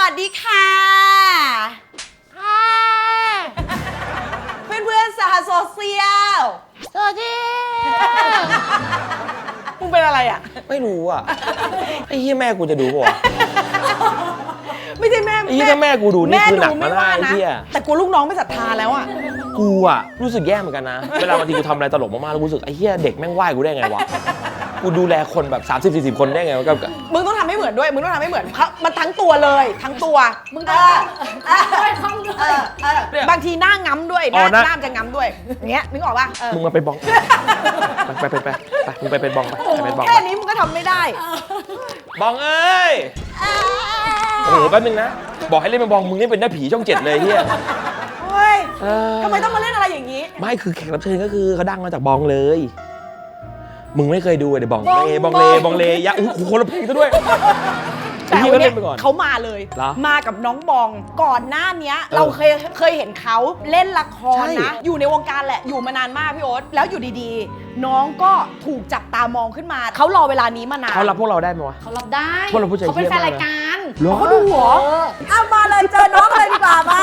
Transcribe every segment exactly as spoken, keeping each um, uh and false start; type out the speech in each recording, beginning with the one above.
วัสดีค่ะเพื่อนเพื่อนสหโซเชียลสวัสดีมึงเป็นอะไรอ่ะไม่รู้อ่ะไอ้เหี้ยแม่กูจะดูป่ะไม่ใช่แม่ไอ้เหี้ยแม่กูดูนี่คือหนักมากนะไอ้เหี้ยแต่กูลูกน้องไม่ศรัทธาแล้วอ่ะกูอ่ะรู้สึกแย่เหมือนกันนะเวลาบางทีกูทำอะไรตลกมากๆแล้วกูรู้สึกไอ้เหี้ยเด็กแม่งไหว้กูได้ไงวะกูดูแลคนแบบสามสิบสี่สิบคนได้ไงวะกับมึงต้องทำให้เหมือนด้วยมึงต้องทำให้เหมือนมันทั้งตัวเลยทั้งตัวมึงต้องด้วยท้องด้วยบางทีหน้าง้ำด้วยหน้าหน้าจะง้ำด้วยอย่างเงี้ยนึกออกป่ะมึงมาไปบองไปไปไปไปมึงไปเป็นบองไปไปเป็นบองแค่นี้มึงก็ทำไม่ได้บองเอ้ยโอ้โหแป๊บนึงนะบอกให้เล่นเป็นบองมึงนี่เป็นหน้าผีช่องเจ็ดเลยเฮียเฮ้ยทำไมต้องมาเล่นอะไรอย่างนี้ไม่คือแขกรับเชิญก็คือเขาดังมาจากบองเลยมึงไม่เคยดูเดี๋ยวบองเลบองเลบองเลยะอู้หูคนละเพลงซะด้วยแต่วันนี้เขามาเลยมากับน้องบองก่อนหน้านี้เราเคยเคยเห็นเขาเล่นละครนะอยู่ในวงการแหละอยู่มานานมากพี่โอ๊ตแล้วอยู่ดีๆน้องก็ถูกจับตามองขึ้นมาเขารอเวลานี้มานานเขารับพวกเราได้ไหมวะเขารับได้พวกเราผู้ใจเย็นเขาเป็นแฟนรายการเขาดูหัวเอามาเลยเจอน้องเลยดีกว่ามา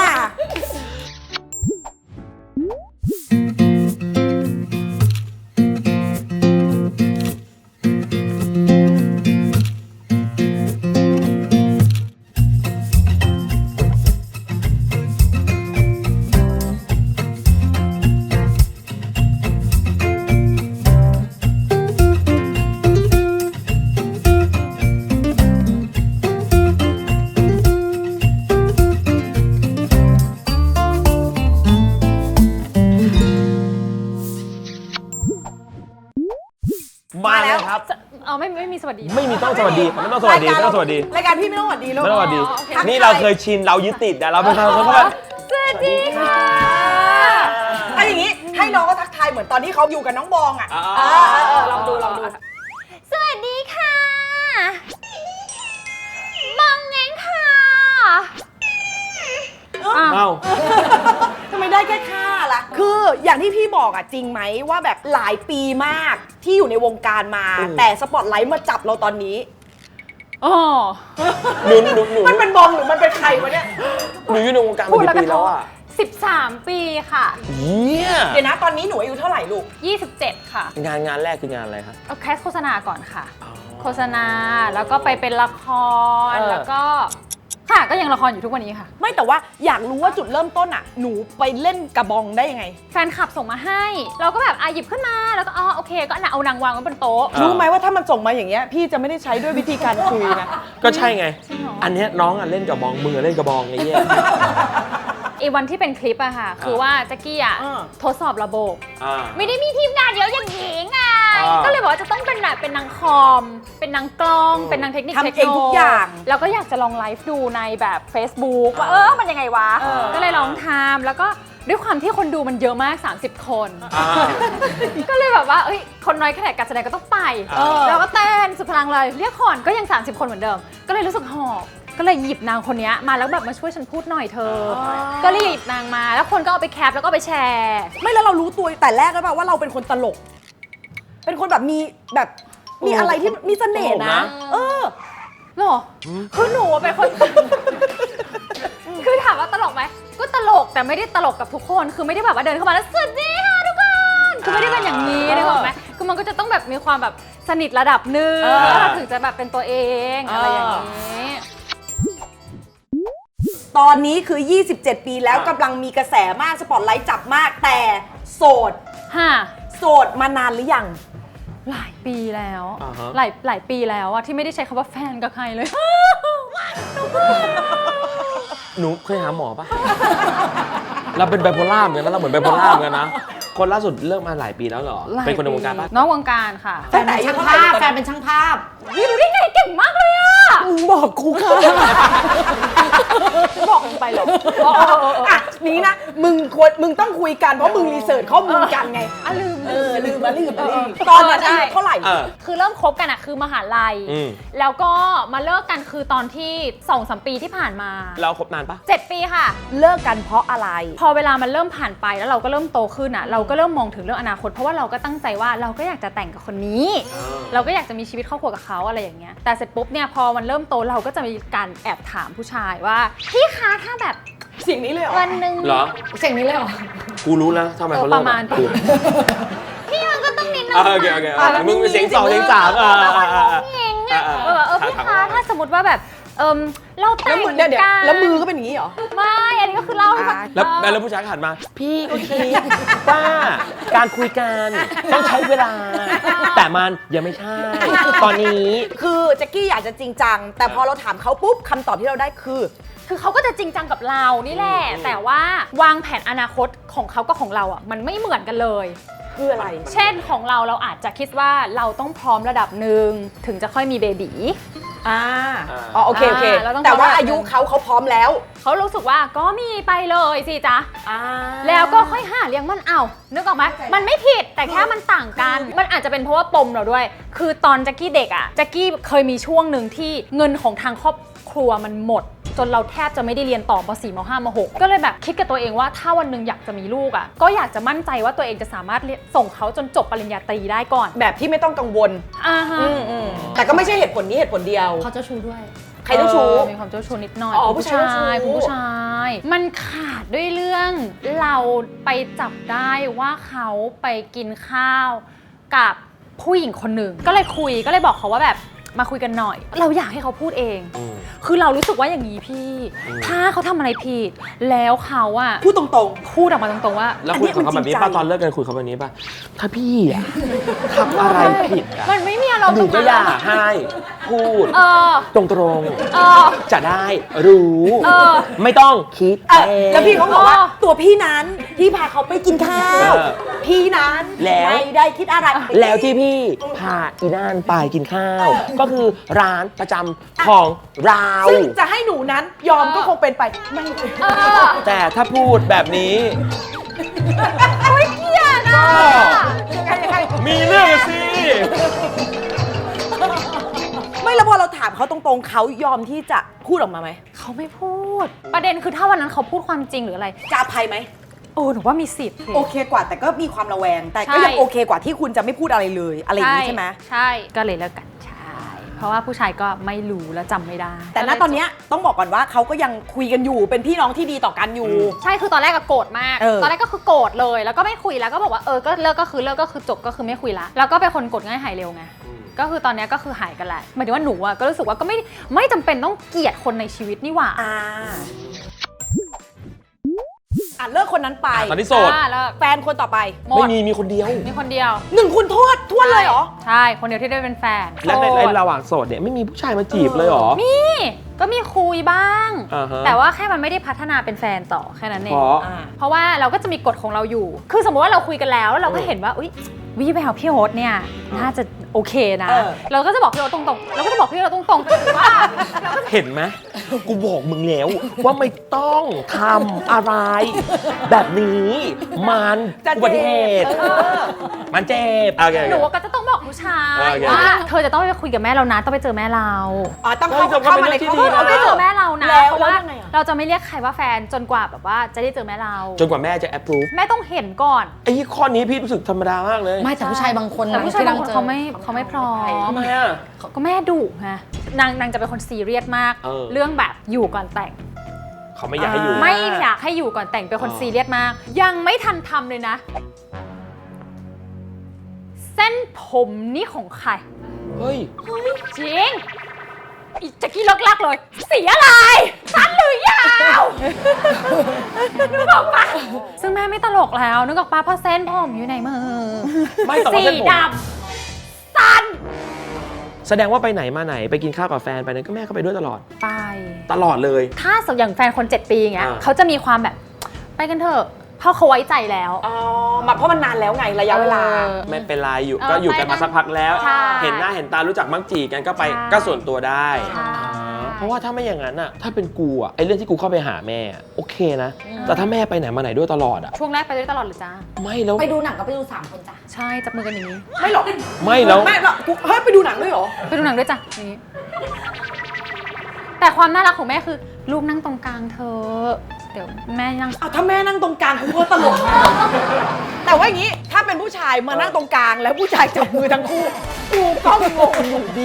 มาแล้วครับเอาไม่ไม่มีสวัสดีไม่มีต้องสวัสดีไม่ต้องสวัสดีไม่ต้องสวัสดีรายการพี่ไม่ต้องสวัสดีลูกไม่ต้องสวัสดีนี่เราเคยชินเรายึดติดแต่เราเป็นเขาเขาแบบสวัสดีค่ะไอ้อย่างนี้ให้น้องก็ทักทายเหมือนตอนที่เขาอยู่กับน้องบองอ่ะลองดูลองดูสวัสดีค่ะบองเง้งค่ะเอ้าทำไมได้แค่ค่าล่ะคืออย่างที่พี่บอกอ่ะจริงไหมว่าแบบหลายปีมากที่อยู่ในวงการมาแต่สปอตไลท์มาจับเราตอนนี้อ๋อหนูหนูหนูมันเป็นบองหรือมันเป็นใครวะเนี่ยหนูอยู่ในวงการมากี่ปีแล้วอ่ะสิบสามปีค่ะเยี่ยเดี๋ยวนะตอนนี้หนูอายุเท่าไหร่ลูกยี่สิบเจ็ดค่ะงานงานแรกคืองานอะไรครับเอาแคสโฆษณาก่อนค่ะโฆษณาแล้วก็ไปเป็นละครแล้วก็ค่ะก็ยังละครอยู่ทุกวันนี้ค่ะไม่แต่ว่าอยากรู้ว่าจุดเริ่มต้นอ่ะหนูไปเล่นกระบองได้ยังไงแฟนคลับส่งมาให้เราก็แบบอ่ะหยิบขึ้นมาแล้วก็อ๋อโอเคก็เอานางวางไว้บนโต๊ะรู้ไหมว่าถ้ามันส่งมาอย่างเงี้ยพี่จะไม่ได้ใช้ด้วยวิธีการคุยนะก็ใช่ไงอันนี้น้องอ่ะเล่นกระบองมือเล่นกระบองไงเงี้ยไอ้วันที่เป็นคลิปอะค่ะคือว่าแจ็คกี้อะทดสอบระบบไม่ได้มีทีมงานเยอะอย่างนี้ไงก็เลยบอกว่าจะต้องเป็นแบบเป็นนางคอมเป็นนางกล้องเป็นนางเทคนิคเทคโนโลยีทุกอย่างแล้วก็อยากจะลองไลฟ์ดูในแบบ Facebook ว่าเออมันยังไงวะก็เลยลองทำแล้วก็ด้วยความที่คนดูมันเยอะมากสามสิบคนก็เลยแบบว่าเอ้ยคนน้อยแค่ไหนการแสดงก็ต้องไปแล้วก็เต้นสุดพลังเลยเรียกขอนก็ยังสามสิบคนเหมือนเดิมก็เลยรู้สึกหอบก็เลยหยิบนางคนนี้มาแล้วแบบมาช่วยฉันพูดหน่อยเธอก็เลยหยิบนางมาแล้วคนก็เอาไปแคปแล้วก็ไปแชร์ไม่แล้วเรารู้ตัวแต่แรกแล้วป่ะว่าเราเป็นคนตลกเป็นคนแบบมีแบบมีอะไรที่มีเสน่ห์นะเออหรอคือหนูเป็นคนคือถามว่าตลกไหมก็ตลกแต่ไม่ได้ตลกกับทุกคนคือไม่ได้แบบว่าเดินเข้ามาแล้วสวัสดีค่ะทุกคนคือไม่ได้เป็นอย่างนี้ได้บอกไหมคือมันก็จะต้องแบบมีความแบบสนิทระดับหนึ่งแล้วถึงจะแบบเป็นตัวเองอะไรอย่างนี้ตอนนี้คือยี่สิบเจ็ดปีแล้วกำลังมีกระแสมากสปอตไลท์จับมากแต่โสดฮะโสดมานานหรือยังหลายปีแล้วหลายหลายปีแล้วอะที่ไม่ได้ใช้คำว่าแฟนกับใครเลยหนูเคยหาหมอปะเราเป็นไบโพล่าเหมือนกันนะเราเหมือนไบโพล่าเหมือนกันนะคนล่าสุดเลิกมาหลายปีแล้วเหรอเป็นคนในวงการปะน้องวงการค่ะแฟนเป็นช่างภาพแฟนเป็นช่างภาพนี่รู้ได้ไงเก่งมากเลยอะมึงบอกกูค่ะบอกมึงไปหรออ่ะนี้นะมึงควรมึงต้องคุยกันเพราะมึงรีเสิร์ชข้อมูลกันไงอ่ะลืมเออลืมมาลืมมาลืมตอนนั้นอายุเท่าไหร่คือเริ่มคบกันอะคือมหาลัยแล้วก็มาเลิกกันคือตอนที่สองสามปีที่ผ่านมาเราคบนานปะเจ็ดปีค่ะเลิกกันเพราะอะไรพอเวลามันเริ่มผ่านไปแล้วเราก็เริ่มโตขึ้นอะเราก็เริ่มมองถึงเรื่องอนาคตเพราะว่าเราก็ตั้งใจว่าเราก็อยากจะแต่งกับคนนี้ เราก็อยากจะมีชีวิตครอบครัวกับเขาอะไรอย่างเงี้ยแต่เสร็จปุ๊บเนี่ยพอมันเริ่มโตเราก็จะมีการแอบถามผู้ชายว่าพี่คะถ้าแบบเสียงนี้เลยเหรอวันหนึ่งเหรอเสียงนี้เลยเหรอกูรู้แล้วทำไมเขาเลิกประมาณพี่มันก็ต้องนิดนึงโอเคโอเคมึงเป็นเสียงสองเสียงสามอ่าเองอ่ะเออพี่คะถ้าสมมติว่าแบบเออเราแต่งกันแล้วมือก็เป็นอย่างนี้เหรอไม่อันนี้ก็คือเล่าแล้วแล้วผู้ชายหันมาพี่ก็คิดว่าการคุยกันต้องใช้เวลาแต่มันยังไม่ใช่ตอนนี้คือแจ็คกี้อยากจะจริงจังแต่พอเราถามเขาปุ๊บคำตอบที่เราได้คือคือเขาก็จะจริงจังกับเรานี่แหละแต่ว่าวางแผนอนาคตของเขากับของเราอ่ะมันไม่เหมือนกันเลยคืออะไรเช่นของเราเราอาจจะคิดว่าเราต้องพร้อมระดับหนึ่งถึงจะค่อยมีเบบีอ่าอ๋อโอเคโอเคแต่ว่าอายุเขาเขาพร้อมแล้วเขารู้สึกว่าก็มีไปเลยสิจ๊ะแล้วก็ค่อยหาเลี้ยงมันเอานึกออกไหมมันไม่ผิดแต่แค่มันต่างกันมันอาจจะเป็นเพราะว่าปมเราด้วยคือตอนแจ็คกี้เด็กอ่ะแจ็คกี้เคยมีช่วงหนึ่งที่เงินของทางครอบครัวมันหมดจนเราแทบจะไม่ได้เรียนต่อม สี่ ม ห้า ม หกก็เลยแบบคิดกับตัวเองว่าถ้าวันหนึ่งอยากจะมีลูกอ่ะก็อยากจะมั่นใจว่าตัวเองจะสามารถส่งเขาจนจบปริญญาตรีได้ก่อนแบบที่ไม่ต้องกังวลอ่าฮะแต่ก็ไม่ใช่เหตุผลนี้เหตุผลเดียวเขาเจ้าชู้ด้วยใครเจ้าชู้มีความเจ้าชู้นิดหน่อยอ๋อผู้ชายผู้ชายมันขาดด้วยเรื่องเราไปจับได้ว่าเขาไปกินข้าวกับผู้หญิงคนหนึ่งก็เลยคุยก็เลยบอกเขาว่าแบบมาคุยกันหน่อยเราอยากให้เขาพูดเองคือเรารู้สึกว่าอย่างนี้พี่ถ้าเขาทำอะไรผิดแล้วเขาอะพูดตรงๆพูดออกมาตรงๆว่าแล้วคุยกับเขาแบบนี้ป่ะตอนเลิกกันคุยเขาแบบนี้ป่ะถ้าพี่อะทำอะไรผิดอะมันไม่มีอารมณ์หนูก็อยากให้พูดตรงๆจะได้รู้ไม่ต้องคิดเองแล้วพี่เขาบอกว่าตัวพี่นั้นที่พาเขาไปกินข้าวพี่นั้นไม่ได้คิดอะไรแล้วที่พี่พาอีน่านไปกินข้าวก็คือร้านประจำของเราซึ่งจะให้หนูนั้นยอมก็คงเป็นไปไม่แต่ถ้าพูดแบบนี้ไม่เกี่ยนะมีเรื่องสิไม่แล้วพอเราถามเขาตรงๆเขายอมที่จะพูดออกมาไหมเขาไม่พูดประเด็นคือถ้าวันนั้นเขาพูดความจริงหรืออะไรจะอภัยไหมโอ้หนูว่ามีสิทธิ์โอเคกว่าแต่ก็มีความระแวงแต่ก็ยังโอเคกว่าที่คุณจะไม่พูดอะไรเลยอะไรอย่างนี้ใช่ไหมใช่ก็เลยเลิกกันเพราะว่าผู้ชายก็ไม่รู้และจำไม่ได้แต่ณตอนนี้ต้องบอกก่อนว่าเขาก็ยังคุยกันอยู่เป็นพี่น้องที่ดีต่อกันอยู่ใช่คือตอนแรกก็โกรธมากตอนแรกก็คือโกรธเลยแล้วก็ไม่คุยแล้วก็บอกว่าเออก็เลิกก็คือเลิกก็คือจบก็คือไม่คุยละแล้วก็เป็นคนโกรธง่ายหายเร็วไงก็คือตอนนี้ก็คือหายกันแหละหมายถึงว่าหนูอะก็รู้สึกว่าก็ไม่ไม่จำเป็นต้องเกลียดคนในชีวิตนี่หว่าอ่ะเลิกคนนั้นไปตอนนี้โสดแฟนคนต่อไปไม่มีมีคนเดียวมีคนเดียวหนึ่งคุณโทษทวนเลยเหรอใช่คนเดียวที่ได้เป็นแฟนและในระหว่างโสดเนี่ยไม่มีผู้ชายมาจีบเลยเหรอมีก็มีคุยบ้างแต่ว่าแค่มันไม่ได้พัฒนาเป็นแฟนต่อแค่นั้นเองเพราะว่าเราก็จะมีกฎของเราอยู่คือสมมติว่าเราคุยกันแล้วแล้วเราก็เห็นว่าอุ๊ยวิไปหาพี่โฮสเนี่ยน่าจะโอเคนะเราก็จะบอกพี่โฮสตรงๆเราก็จะบอกพี่โฮสตรงๆว่าเห็นไหมกูบอกมึงแล้วว่าไม่ต้องทำอะไรแบบนี้มันอุบัติเหตุมันเจ็บหนูก็จะต้องบอกผู้ชายว่าเธอจะต้องไปคุยกับแม่เรานะต้องไปเจอแม่เราอ๋อต้องเข้ามาในครอบครัวต้องไปเจอแม่เรานะเพราะว่าเราจะไม่เรียกใครว่าแฟนจนกว่าแบบว่าจะได้เจอแม่เราจนกว่าแม่จะแอปพรูฟแม่ต้องเห็นก่อนไอ้ข้อนี้พี่รู้สึกธรรมดามากเลยไม่แต่ผู้ชายบางคนแต่ผู้ชายบางคนเขาไม่เขาไม่พร้อมทำไมอ่ะก็แม่ดุไงนางนางจะเป็นคนซีเรียสมากเรื่องแบบอยู่ก่อนแต่งเขาไม่อยากให้อยู่ไม่อยากให้อยู่ก่อนแต่งเป็นคนซีเรียสมากยังไม่ทันทำเลยนะเส้นผมนี่ของใครเฮ้ยจริงอีแจ็คกี้เลิกๆเลยสีอะไรสั้นหรือยาวนึกออกปะซึ่งแม่ไม่ตลกแล้วนึกออกปะเพราะเส้นผมอยู่ในมือสีดำสั้นแสดงว่าไปไหนมาไหนไปกินข้าวกับแฟนไปนั้นก็แม่ก็ไปด้วยตลอดไปตลอดเลยถ้าอย่างแฟนคนเจ็ดปีอย่างเงี้ยเขาจะมีความแบบไปกันเถอะเพราะเขาไว้ใจแล้วอ๋อมาเพราะมันนานแล้วไงระยะเวลาไม่เป็นไรอยู่ก็อยู่กันมาสักพักแล้วเห็นหน้าเห็นตารู้จักมักจีกันก็ไปก็ส่วนตัวได้เพราะว่าถ้าไม่อย่างนั้นอ่ะถ้าเป็นกูอ่ะไอ้เรื่องที่กูเข้าไปหาแม่โอเคนะแต่ถ้าแม่ไปไหนมาไหนด้วยตลอดอ่ะช่วงแรกไปด้วยตลอดหรือจ้าไม่แล้วไปดูหนังก็ไปดูสามคนจ้ะใช่จับมือกันอย่างนี้ไม่หรอกไม่แล้วไม่หรอกเฮ้ยไปดูหนังด้วยเหรอไปดูหนังด้วยจ้ะอย่างนี้แต่ความน่ารักของแม่คือลูกนั่งตรงกลางเธอเดี๋ยวแม่นั่งอ้าวถ้าแม่นั่งตรงกลางกูก็ตลกแต่แต่ว่าอย่างนี้ถ้าเป็นผู้ชายมานั่งตรงกลางแล้วผู้ชายจับมือทั้งคู่กูก็งงอยู่ดี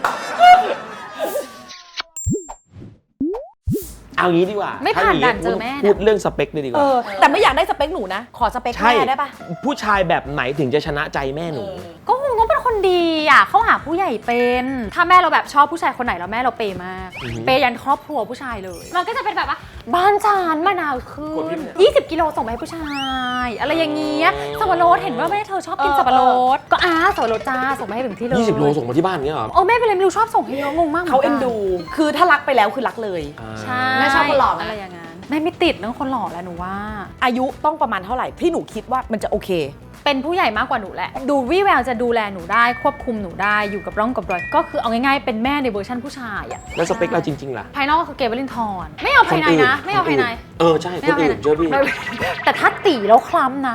เอางี้ดีกว่าไม่ผ่านด่านเจอแม่นะพูดเรื่องสเปคเลยดีกเอว่าอแต่ไม่อยากได้สเปคหนูนะขอสเปคใช่แม่ได้ปะผู้ชายแบบไหนถึงจะชนะใจแม่หนูก็คงต้องเป็นคนดีอ่ะเข้าหาผู้ใหญ่เป็น ถ้าแม่เราแบบชอบผู้ชายคนไหนแล้วแม่เราเปย์มากอือหือเปย์ยันครอบครัวผู้ชายเลย มันก็จะเป็นแบบว่าบ้านฉันมะนาวขึ้กดพินมพ์เนี่ยยี่สิบกิโลส่งไปให้ผู้ชาย อะไรอย่างเงี้ยสับปะรดเห็นว่าแม่เธอชอบกินสับปะรดก็อ้าสับปะรดจ้าส่งไปให้ถึงที่เลยยี่สิบโลส่งมาที่บ้านเงี้ยเหรอโอ้แม่เป็นอะไรไม่รู้ชอบส่งให้เยอะงงมากหมืเขากัเอ็นดู คือถ้ารักไปแล้วคือรักเลยอ่าใช่แม่ชอบคนหล่อไหมอะไรอย่างนั้นแม่ไม่ติดเรื่องคนหล่อแล้วหนูว่าอายุต้องประมาณเท่าไหร่ที่หนูคิดว่ามันจะโอเคเป็นผู้ใหญ่มากกว่าหนูแหละ ดูวิแววจะดูแลหนูได้ควบคุมหนูได้อยู่กับร่องกับรอยก็คือเอาง่ายๆเป็นแม่ในเวอร์ชันผู้ชายอะแล้วสเปคเราจริงๆล่ะภายนอกก็คือเกเวลินทอนไม่เอาภายในนะ ไม่เอาภายในเออใช่คนอื่นเจอพี่ไม่แต่ถ้าตีแล้วคล้ำนะ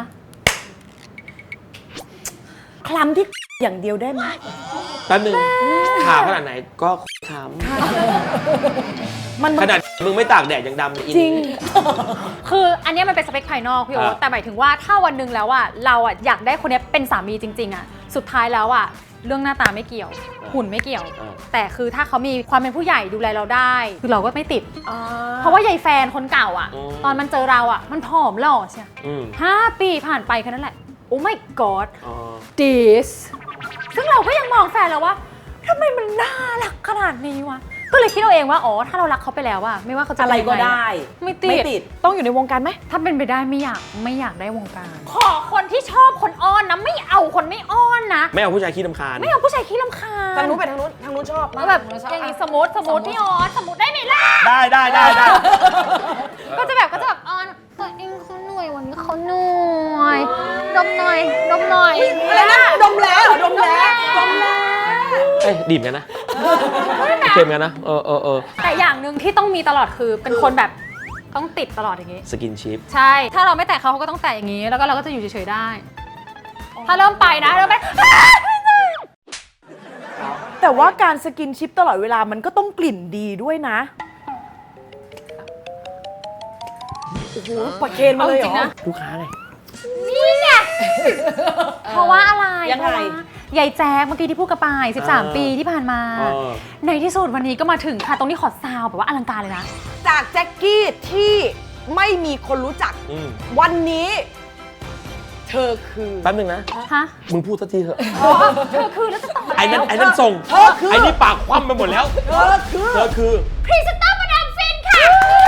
คลำที่อย่างเดียวได้ไหมแป๊บนึงขาวขนาดไหนก็ขาวมันขนาดมึงไม่ตากแดดยังดำเลยอินจริงคืออันเนี้ยมันเป็นสเปคภายนอกพี่โอ๊ตอ่ะแต่หมายถึงว่าถ้าวันหนึ่งแล้วอะเราอะอยากได้คนเนี้ยเป็นสามีจริงๆอะสุดท้ายแล้วอะเรื่องหน้าตาไม่เกี่ยว หุ่นไม่เกี่ยวอ่าแต่คือถ้าเขามีความเป็นผู้ใหญ่ดูแลเราได้ คือเราก็ไม่ติด เพราะว่ายายแฟนคนเก่าอะตอนมันเจอเราอะมันผอมหล่อใช่อืมห้าปีผ่านไปแค่นั้นแหละ โอ้ my god อ๋อ this ซึ่งเราก็ยังมองแฟนเราว่าทำไมมันน่ารักขนาดนี้วะ ก็เลยคิดเอาเองว่า อ๋อ ถ้าเรารักเขาไปแล้วอะไม่ว่าเขาจะอะไรก็ได้ไม่ติไม่ดติด ต้องอยู่ในวงการไหมถ้าเป็นไปได้ไม่อยากไม่อยากได้วงการ ขอคนที่ชอบคนอ้อนนะ ไม่เอาคนไม่อ้อนนะไม่เอาผู้ชายขี้รำคาญไม่เอาผู้ชายขี้รำคาญทางนู้นไปทางนู้น ทางนู้นชอบแล้วแบบอย่างนี้สมมติสมมติพี่ออสสมมติได้ไหมล่ะได้ได้ได้ได้ก็จะแบบก็จะแบบอ้อนตัวเองเขาเหนื่อยวันนี้เขาเหนื่อยดมหน่อยดมหน่อยอะไรนะ ดมแล้วเหรอดมแล้วดมแล้วเอ้ยดิ่มกันนะเค็มกันนะเออเออเออแต่อย่างหนึ่งที่ต้องมีตลอดคือเป็นคนแบบต้องติดตลอดอย่างนี้สกินชิปใช่ ถ้าเราไม่แตะเขาเขาก็ต้องแตะอย่างนี้ แล้วก็เราก็จะอยู่เฉยๆได้ ถ้าเริ่มไปนะเริ่มไปแต่ว่าการสกินชิปตลอดเวลามันก็ต้องกลิ่นดีด้วยนะ โอ้โหปะเคนมาเลยเหรเอาจริงอนะลูกค้าไงนี่ไงเพราะว่าอะไรยังไงเพราะว่ายายแจ๊กเมื่อกี้ที่พูดกับปายสิบสามเออปีที่ผ่านมาเออในที่สุดวันนี้ก็มาถึงค่ะ ตรงนี้ขอซาวแบบว่าอลังการเลยนะจากแจ็คกี้ที่ไม่มีคนรู้จักอืมวันนี้ เธอคือแป๊บนึงนะฮะมึงพูดสักทีเถอะเธอคือแล้วจะต่อไอ้นั่นไอ้นั่นส่งเธอคือไอ้นี่ปากคว่ำไปหมดแล้วเธอคือเธอคือพรีเซนเตอร์มาดามฟินค่ะ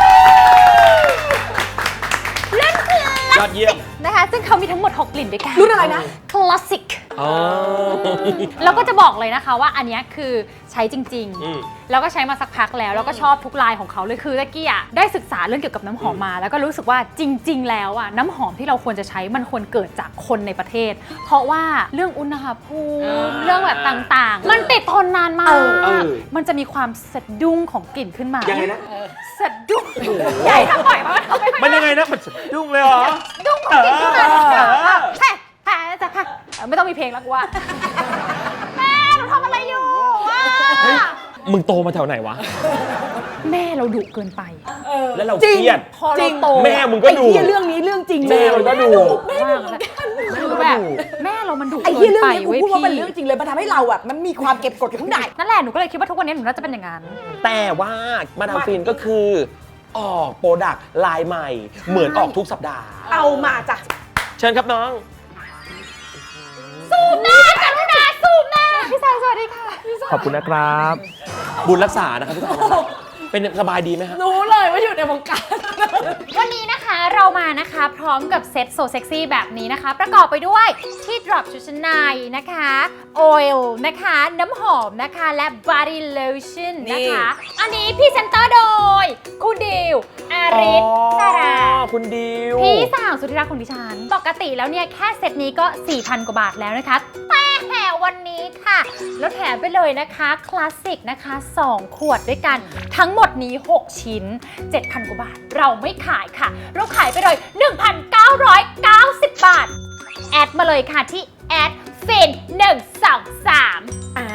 เล่นคือยอดเยี่ยมนะคะ ซึ่งเขามีทั้งหมดหกกลิ่นด้วยกันรุ่นอะไรนะคลาสสิกอ๋อแล้วก็จะบอกเลยนะคะว่าอันเนี้ยคือใช้จริงอืมๆ แล้วก็ใช้มาสักพักแล้ว แล้วก็ชอบทุกลายของเขาเลยคือตะกี้อ่ะได้ศึกษาเรื่องเกี่ยวกับน้ำหอมมา แล้วก็รู้สึกว่าจริง ๆ แล้วอ่ะน้ำหอมที่เราควรจะใช้มันควรเกิดจากคนในประเทศ เพราะว่าเรื่องอุณหภูมิเรื่องแบบต่างๆ มันติดทนนานมาเอก อเออมันจะมีความสะดุ้งของกลิ่นขึ้นมายังไงนะสะดุ้งใหญ่ทั้งปล่อยมาทำไมมันยังไงนะ มันสะดุ้งเลยเหรอดุ้งของกลิ่นขึ้นมาเออแฮ่แฮ่จะแฮ่ไม่ต้องมีเพลงแล้วกูว่าแม่หนูทำอะไรอยู่วะเฮ้ย มึงโตมาแถวไหนวะแม่เราดุเกินไปแล้วเราจริงเครียดพอจริเรางโตแม่มึงก็ดูไอ้เหี้ยเรื่องนี้เรื่องจริงแม่มันก็ดูมากเลยคือแบบแม่เรามันดุไอ้เกิเหี้ยนเรื่องไปนี้กูเว้ยพูดว่าเป็นพี่เรื่องจริงเลยมันทำให้เราอ่ะมันมีความเก็บกดอยู่ข้างในนั่นแหละหนูก็เลยคิดว่าทุกวันนี้หนูน่าจะเป็นอย่างนั้นแต่ว่ามาดามฟินก็คือ ออกโปรดักต์ลายใหม่ เหมือนออกทุกสัปดาห์เอามาจากเชิญครับน้องสูบหน้ากรุณาสูบหน้าพี่สายสวัสดีค่ะขอบคุณนะครับ บุญรักษานะครับพี่สาวเป็นสบายดีไหมครับรู้เลยว่าอยู่ในวงการวันนี้นะคะเรามานะคะพร้อมกับเซ็ตโซเซ็กซี่แบบนี้นะคะ ประกอบไปด้วยที่ดรอปชุดชั้นในนะคะออยล์นะคะน้ำหอมนะคะและ body lotion นะคะ อันนี้พรีเซนเตอร์โดยคุณดิวอาริสสาราคุณดิวพี่สาวสุดที่รักของดิฉัน ปกติแล้วเนี่ยแค่เซตนี้ก็ สี่พัน กว่าบาทแล้วนะคะ แต่วันนี้ค่ะ แล้วแถมไปเลยนะคะคลาสสิกนะคะ สอง ขวดด้วยกัน ทั้งหมดนี้ หก ชิ้น เจ็ดพัน กว่าบาท เราไม่ขายค่ะ เราขายไปเลย หนึ่งพันเก้าร้อยเก้าสิบ บาท แอดมาเลยค่ะที่แอดฟินหนึ่งสองสามอ่า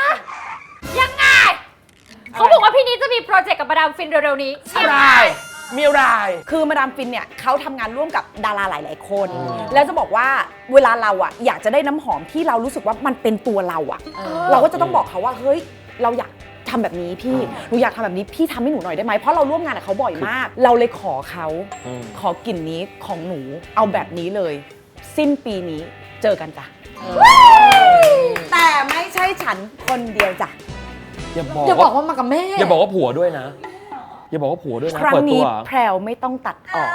ยังไง เขาบอกว่าพี่นี้จะมีโปรเจกต์กับมาดามฟินเร็วๆนี้ใช่ไหมใช่มีอะไรคือมาดามฟินเนี่ยเขาทำงานร่วมกับดาราหลาย ๆ คน แล้วจะบอกว่าเวลาเราอะอยากจะได้น้ำหอมที่เรารู้สึกว่ามันเป็นตัวเราอะเราก็จะต้องบอกเขาว่าเฮ้ยเราอยากทำแบบนี้พี่หนูอยากทำแบบนี้พี่ทำให้หนูหน่อยได้ไหมเพราะเราร่วมงานกับเขาบ่อยมาก เราเลยขอเขาขอกลิ่นนี้ของหนูเอาแบบนี้เลย สิ้นปีนี้เจอกันจ้ะแต่ไม่ใช่ฉันคนเดียวจ้ะอย่าบอกอย่าบอกว่ามากับแม่อย่าบอกว่าผัวด้วยนะอย่าบอกว่าผัวด้วยนะครั้งเปิดตันี้วแพรวไม่ต้องตัดออก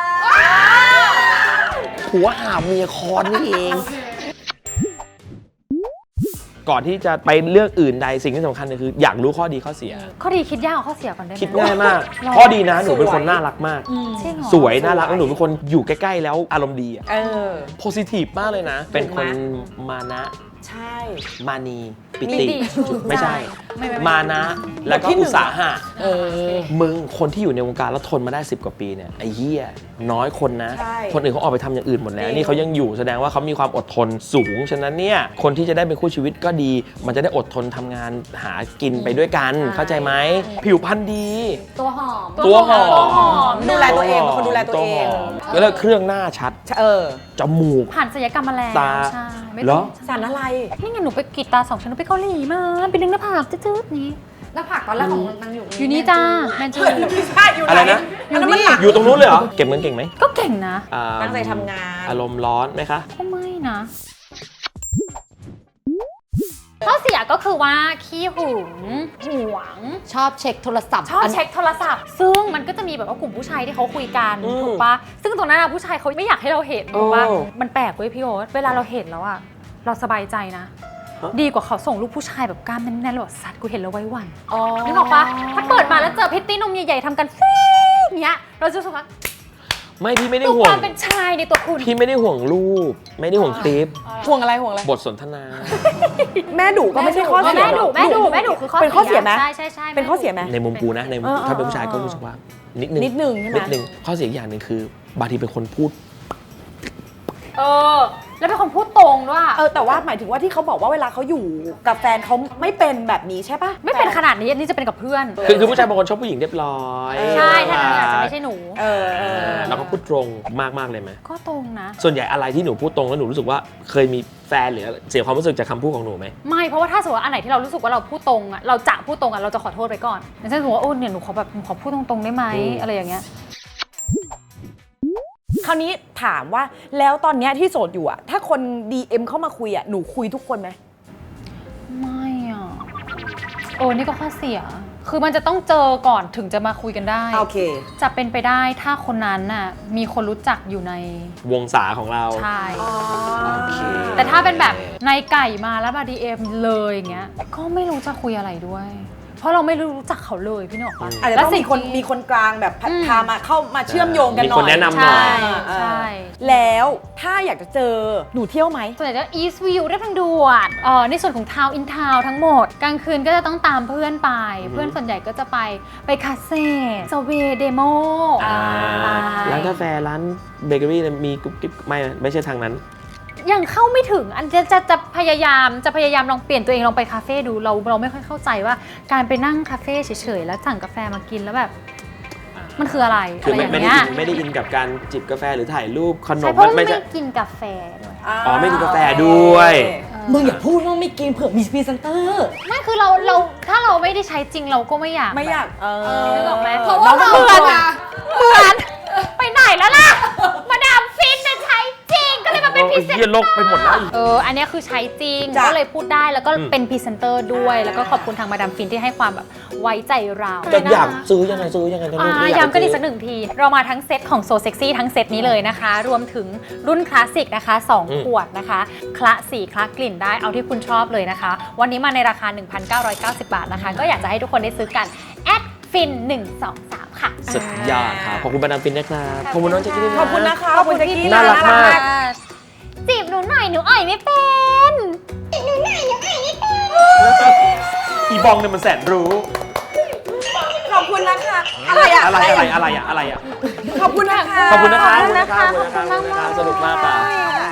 ผัวหาเมียคอนนี่เอง ก่อนที่จะไปเรื่องอื่นใดสิ่งที่สำคัญเลยคืออยากรู้ข้อดีข้อเสียข้อดีคิดยากกว่าข้อเสียก่อนได้ไหมคิดง่ายมาก ข้อดีนะหนูเป็นคนน่ารักมากจริงเหรอสวยน่ารักแล้วหนูเป็นคนอยู่ใกล้ๆแล้วอารมณ์ดีอะเออโพซิทีฟมากเลยนะ เป็นคนมานะใช่มานีปิมีติดิไม่ใช่ไม่ไม่ไม่มานะ แล้วก็ที่หนึ่อุงตสาหะเออมึงคนที่อยู่ในวงการแล้วทนมาได้สิบกว่าปีเนี่ยไอ้เหี้ยน้อยคนนะใช่คนอื่นเขาออกไปทำอย่างอื่นหมดแล้วจริงนี่เขายังอยู่แสดงว่าเขามีความอดทนสูง ฉะนั้นเนี่ยคนที่จะได้เป็นคู่ชีวิตก็ดี มันจะได้อดทนทำงานหากินไปด้วยกัน เข้าใจไหมผิวพรรณดีตัวหอมตัวหอมตัวหอมดูแลตัวเองเป็นคนดูแลตัวเองหมแล้วเครื่องหน้าชัดเออจมูกผ่านศัลยกรรมมาแล้วตาใช่ไม่เหรต้อองสารอะไรนี่ไงหนูไปกรีดตาสองชั้นหนูไปเกาหลีมาไปดึงหน้าผากจืดๆนี้แล้วผักตอนแรกของนางอยู่อยู่นี่จ้าแมนจูไม่ใช่อยู่ไหนอะไรนะอันนั้นมันหลักอยู่ตรงนู้นเลยเหรอ เก็บเงินเก่งไหมก็เก่งนะอ่าตั้งใจทำงานอารมณ์ร้อนไหมคะก็ไม่นะข้อเสียก็คือว่าขี้หึงหวงชอบเช็คโทรศัพท์ชอบเช็คโทรศัพท์ ซึ่งมันก็จะมีแบบว่ากลุ่มผู้ชายที่เขาคุยกันอืมถูกปะซึ่งตรงนั้นอะผู้ชายเขาไม่อยากให้เราเห็นถูกปะโอ้มันแปลกเว้ยพี่โอ๊ตเวลาเราเห็นแล้วอะเราสบายใจนะฮะดีกว่าเขาส่งรูปผู้ชายแบบกล้ามแน่นๆแล้วแบบสัตว์กูเห็นแล้วไว้หวันอ๋อนึกออกปะถ้าเปิดมาแล้วเจอพิตตี้นมใหญ่ๆทำกันฟีอย่างเงี้ยเราจะรู้สึกว่าไม่พี่ไม่ได้ดูห่คว วามงเป็นชายในตัวคุณพี่ไม่ได้ห่วงรูป ไม่ได้ห่วงคลิปห่วงอะไรห่วงอะไรบทสนทนาแม่ดุก็ไม่ใช่ข้อเสียแม่ดุแม่ดุแม่ดุคือข้อเป็นข้อเสียไหมใช่ใช่ใช่เป็นข้อเสียไหมในมุมกูนะในมุมเออเออถ้าเป็นผู้ชายก็รู้สึกว่า นิดนึงนิดนึงใช่ไหมนิดนึงข้อเสียอีกอย่างหนึ่งคือบางทีเป็นคนพูดเออแล้วเป็นคนพูดตรงด้วยเออแต่ว่าหมายถึงว่าที่เขาบอกว่าเวลาเขาอยู่กับแฟนเขาไม่เป็นแบบนี้ใช่ปะไม่เป็นขนาดนี้อันนี้จะเป็นกับเพื่อนคือคือผู้ชายบางคนชอบผู้หญิงเรียบร้อยใช่ถ้านั้นอาจจะไม่ใช่หนูเออเออแล้วก็พูดตรงมากมากๆเลยไหมก็ตรงนะส่วนใหญ่อะไรที่หนูพูดตรงแล้วหนูรู้สึกว่าเคยมีแฟนหรือเสียความรู้สึกจากคำพูดของหนูไหมไม่เพราะว่าถ้าสมมติว่าอันไหนที่เรารู้สึกว่าเราพูดตรงอ่ะเราจะพูดตรงอ่ะเราจะขอโทษไปก่อนอย่างเช่นสมมติว่าโอ้เนี่ยหนูขอแบบหนูขอพูดตรงๆได้ไหมอืมอะไรอย่างเงี้ยคราวนี้ถามว่าแล้วตอนเนี้ยที่โสดอยู่อะถ้าคน ดี เอ็ม เข้ามาคุยอะหนูคุยทุกคนไหมไม่อ่ะโอ้นี่ก็ข้อเสีย คือมันจะต้องเจอก่อนถึงจะมาคุยกันได้โอเคจะเป็นไปได้ถ้าคนนั้นน่ะมีคนรู้จักอยู่ในวงศาของเราใช่โอเคแต่ถ้าเป็นแบบในไก่มาแล้วมา ดี เอ็ม เลยอย่างเงี้ยก็ไม่รู้จะคุยอะไรด้วย เพราะเราไม่รู้จักเขาเลยพี่หนกปะอาจจะต้องมีคนมีคนกลางแบบอืมพามาเข้ามาเชื่อมโยงกันหน่อยมีคนแนะนำหน่อยใช่เออใช่แล้วถ้าอยากจะเจอหนูเที่ยวไหมส่วนใหญ่จะ East View เรียบทางด่วนเอ่อในส่วนของ Town in Town ทั้งหมด กลางคืนก็จะต้องตามเพื่อนไป เพื่อนส่วนใหญ่ก็จะไปไปคาเฟ่สเวเดโมอ่าร้านกาแฟร้านเบเกอรี่มีกุ๊บกิ๊บไม่ไม่ใช่ทางนั้นยังเข้าไม่ถึงอันจะจะจะพยายามจะพยายามลองเปลี่ยนตัวเองลองไปคาเฟ่ดูเราเราไม่ค่อยเข้าใจว่าการไปนั่งคาเฟ่เฉยๆแล้วสั่งกาแฟมากินแล้วแบบมันคืออะไรคืออะไรไม่อย่างไม่ได้เงี้ยอินไม่ได้อินกับการจิบกาแฟหรือถ่ายรูปขนใช่มเพราะว่าไม่ไม่ใช่กินกาแฟด้วยอ๋อไม่กินกาแฟด้วยมึงอย่าพูดว่าไม่กินเผื่อมีพรีเซนเตอร์ไม่คือเราเราถ้าเราไม่ได้ใช้จริงเราก็ไม่อยากไม่อยากเออนึกออกไหมเพราะว่าน้องเหมืเป็อนคอะเหมือนไปไหนแล้วล่ะ มาดามฟินน่ะใช้จริงก็เลยมาเป็นพรีเซนเยี่ยโลกไปหมดแล้วเอออันเนี้ยคือใช้จริงจ้ะก็เลยพูดได้แล้วก็อืมเป็นพรีเซนเตอร์ด้วย แล้วก็ขอบคุณทางมาดามฟินที่ให้ความแบบไว้ใจเราจะอยากซื้อยังไงซื้อยังไงกันลูกอ่าไม่อยากย้ำกันอีกซื้สักหนึ่งที เรามาทั้งเซตของโซเซ็กซี่ทั้งเซตนี้เลยนะคะ รวมถึงรุ่นคลาสสิกนะคะสองอืมขวดนะคะคละสีคละกลิ่นได้เอาที่คุณชอบเลยนะคะ วันนี้มาในราคา หนึ่งพันเก้าร้อยเก้าสิบ บาทนะคะ ก็อยากจะให้ทุกคนได้ซื้อกันแอดฟินหนึ่งสองสามค่ะสุดยอดครับขอบคุณมาดามฟินนะครับขอบคุณน้องแจ็คกี้ด้วยนะขอบคุณนะคะขอบคุณแจ็คกี้น่ารักมากจีบหนูหน่อยหนูอ่อยไม่เป็นจีบหนูหน่อยหนูอ่อยไม่เป็นอีบองเนี่ยมันแสนรู้ขอบคุณนะคะอะไรอะอะไรอะไรอะไรอะอะไรอะขอบคุณนะคะขอบคุณนะครับขอบคุณนะคะขอบคุณนะครับขอบคุณมากๆสนุกมากค่ะค่ะ